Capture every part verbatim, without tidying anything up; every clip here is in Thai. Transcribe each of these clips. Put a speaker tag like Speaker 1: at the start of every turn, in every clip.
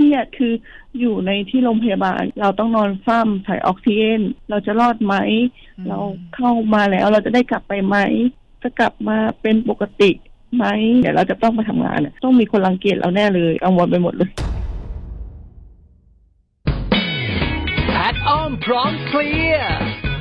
Speaker 1: รียดคืออยู่ในที่โรงพยาบาลเราต้องนอนเฝ้าถ่ายออกซิเจนเราจะรอดไหมเราเข้ามาแล้วเราจะได้กลับไปไหมจะกลับมาเป็นปกติไหมเดี๋ยวเราจะต้องไปทำงานต้องมีคนรังเกียจเราแน่เลยกังวลไปหมดเลย
Speaker 2: แพทอ้อมพร้อมเคลียร์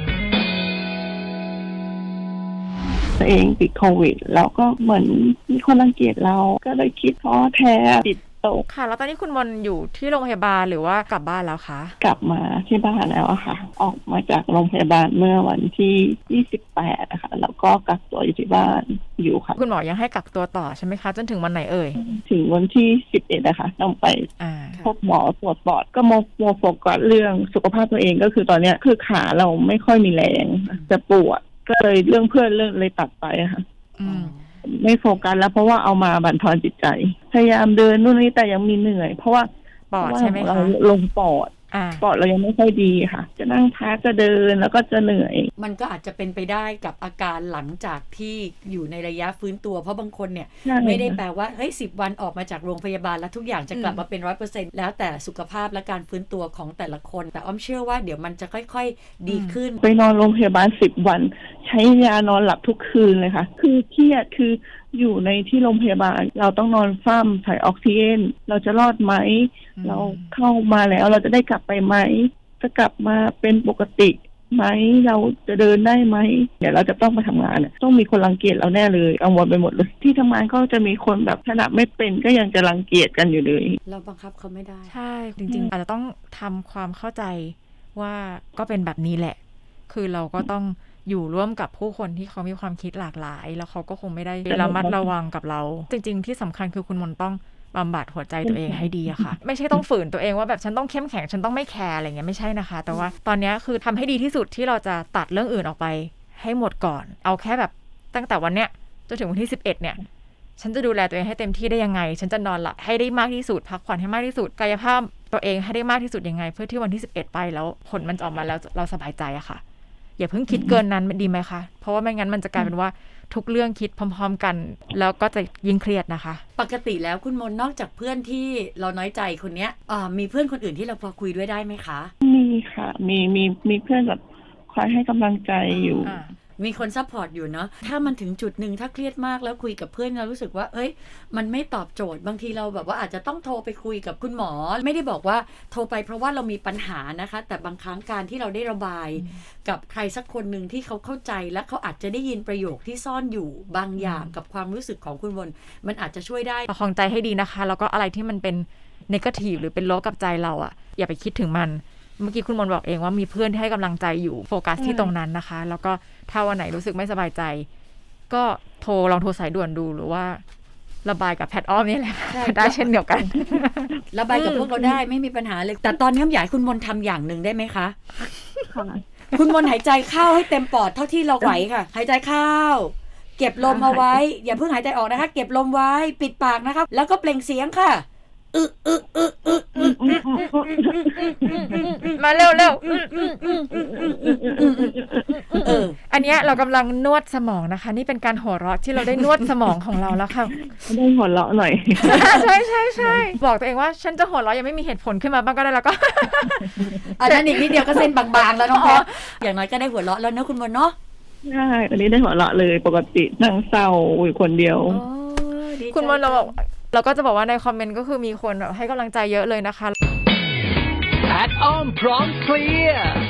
Speaker 1: ตัวเองติดโควิดแล้วก็เหมือนมีคนรังเกียจเราก็เลยคิดท้อแท้ติดตก
Speaker 3: ค่ะแล้วตอนนี้คุณมนอยู่ที่โรงพยาบาลหรือว่ากลับบ้านแล้วคะ
Speaker 1: กลับมาที่บ้านแล้วอะค่ะออกมาจากโรงพยาบาลเมื่อวันที่ยี่สิบแปดนะคะแล้วก็กักตัวอยู่ที่บ้านอยู่ค่ะ
Speaker 3: คุณหมอยังให้กักตัวต่อใช่ไหมคะจนถึงวันไหนเอ่ย
Speaker 1: ถึงวันที่สิบเอ็ดนะคะต้องไปพบหมอตรวจปอดก็มาโฟกัสเรื่องสุขภาพตัวเองก็คือตอนนี้คือขาเราไม่ค่อยมีแรงจะปวดก็เลยเรื่องเพื่อนเรื่องเลยตัดไปค่ะไม่โฟกัสแล้วเพราะว่าเอามาบั่นทอนจิตใจพยายามเดินนู่นนี่แต่ยังมีเหนื่อยเพราะว่า
Speaker 3: ปอดใช่ไหมคะ
Speaker 1: เราลงปอดปอดเรายังไม่ค่อยดีค่ะจะนั่งพักจะเดินแล้วก็จะเหนื่อย
Speaker 4: มันก็อาจจะเป็นไปได้กับอาการหลังจากที่อยู่ในระยะฟื้นตัวเพราะบางคนเนี่ยไม่ได้แปลว่าเฮ้ยสิบวันออกมาจากโรงพยาบาลแล้วทุกอย่างจะกลับมาเป็น ร้อยเปอร์เซ็นต์ แล้วแต่สุขภาพและการฟื้นตัวของแต่ละคนแต่อ้อมเชื่อว่าเดี๋ยวมันจะค่อยๆดีขึ้น
Speaker 1: ไปนอนโรงพยาบาลสิบวันใช้ยานอนหลับทุกคืนเลยค่ะคือเครียดคืออยู่ในที่โรงพยาบาลเราต้องนอนเฝ้าถ่ายออกซิเจนเราจะรอดไหมเราเข้ามาแล้วเราจะได้กลับไปไหมจะกลับมาเป็นปกติไหมเราจะเดินได้ไหมเดี๋ยวเราจะต้องไปทำงานต้องมีคนรังเกียจเราแน่เลยกังวลไปหมดเลยที่ทำงานก็จะมีคนแบบขนาดไม่เป็นก็ยังจะรังเกียจกันอยู่เลย
Speaker 4: เราบังคับเขาไม่ได้
Speaker 3: ใช่จริงๆอาจจะต้องทำความเข้าใจว่าก็เป็นแบบนี้แหละคือเราก็ต้องอยู่ร่วมกับผู้คนที่เขามีความคิดหลากหลายแล้วเขาก็คงไม่ได้ระมัดระวังกับเราจริงๆที่สำคัญคือคุณมนต้องบำบัดหัวใจตัวเองให้ดีอะค่ะไม่ใช่ต้องฝืนตัวเองว่าแบบฉันต้องเข้มแข็งฉันต้องไม่แคร์อะไรเงี้ยไม่ใช่นะคะแต่ว่าตอนนี้คือทำให้ดีที่สุดที่เราจะตัดเรื่องอื่นออกไปให้หมดก่อนเอาแค่แบบตั้งแต่วันเนี้ยจนถึงวันที่สิบเอ็ดเนี่ยฉันจะดูแลตัวเองให้เต็มที่ได้ยังไงฉันจะนอนหลับให้ได้มากที่สุดพักผ่อนให้มากที่สุดกายภาพตัวเองให้ได้มากที่สุดยังไงเพื่อที่วันที่สิบเอ็ดไปแล้วผลมันจะออกมาแล้วเราสบายใจอะค่ะอย่าเพิ่งคิดเกินนั้นดีไหมคะเพราะว่าไม่งั้นมันจะกลายเป็นว่าทุกเรื่องคิดพร้อมๆกันแล้วก็จะยิ่งเครียดนะคะ
Speaker 4: ปกติแล้วคุณมนนอกจากเพื่อนที่เราน้อยใจคนเนี้ยมีเพื่อนคนอื่นที่เราพอคุยด้วยได้ไหมคะ
Speaker 1: มีค่ะมีมีมีเพื่อนแบบคอยให้กำลังใจอยู่
Speaker 4: มีคนซัพพอร์ตอยู่เนาะถ้ามันถึงจุดหนึ่งถ้าเครียดมากแล้วคุยกับเพื่อนเรารู้สึกว่าเอ้ยมันไม่ตอบโจทย์บางทีเราแบบว่าอาจจะต้องโทรไปคุยกับคุณหมอไม่ได้บอกว่าโทรไปเพราะว่าเรามีปัญหานะคะแต่บางครั้งการที่เราได้ระบายกับใครสักคนหนึ่งที่เขาเข้าใจและเขาอาจจะได้ยินประโยคที่ซ่อนอยู่บางอย่างกับความรู้สึกของคุณมนมันอาจจะช่วยได้
Speaker 3: ประคองใจให้ดีนะคะแล้วก็อะไรที่มันเป็นเนกาทีฟหรือเป็นลบกับใจเราอ่ะอย่าไปคิดถึงมันเมื่อกี้คุณมนบอกเองว่ามีเพื่อนที่ให้กำลังใจอยู่โฟกัสที่ตรงนั้นนะคะแล้วก็ถ้าวันไหนรู้สึกไม่สบายใจก็โทรลองโทรสายด่วนดูหรือว่าระบายกับแพทอ้อมนี่แหละได้เช่นเดียวกัน
Speaker 4: ระบายกับพวกเราได้ไม่มีปัญหาเลยแต่ตอนนี้อยากให้คุณมนทำอย่างหนึ่งได้ไหมคะคุณมนหายใจเข้าให้เต็มปอดเท่าที่เราไหวค่ะหายใจเข้าเก็บลมเอาไว้อย่าเพิ่งหายใจออกนะคะเก็บลมไว้ปิดปากนะคะแล้วก็เปล่งเสียงค่ะอึอึอึอึ
Speaker 3: มาเร็วเร็วอันนี้เรากำลังนวดสมองนะคะนี่เป็นการหัวเราะที่เราได้นวดสมองของเราแล้วค่ะ
Speaker 1: ได้หัวเราะหน่อย
Speaker 3: ใช่ใช่ใช่บอกตัวเองว่าฉันจะหัวเราะยังไม่มีเหตุผลขึ้นมาบ้างก็ได้แล้วก็
Speaker 4: อันนั้นอีกนิดเดียวก็เส้นบางๆแล้วน้องแพทอย่างน้อยก็ได้หัวเราะแล้วนะคุณมนเนาะ
Speaker 1: ใช่อันนี้ได้หัวเราะเลยปกตินั่งเศร้าอยู่คนเดียว
Speaker 3: คุณมนเราบอกเราก็จะบอกว่าในคอมเมนต์ก็คือมีคนแบบให้กำลังใจเยอะเลยนะคะ
Speaker 2: แพทอ้อมพร้อมเคลียร์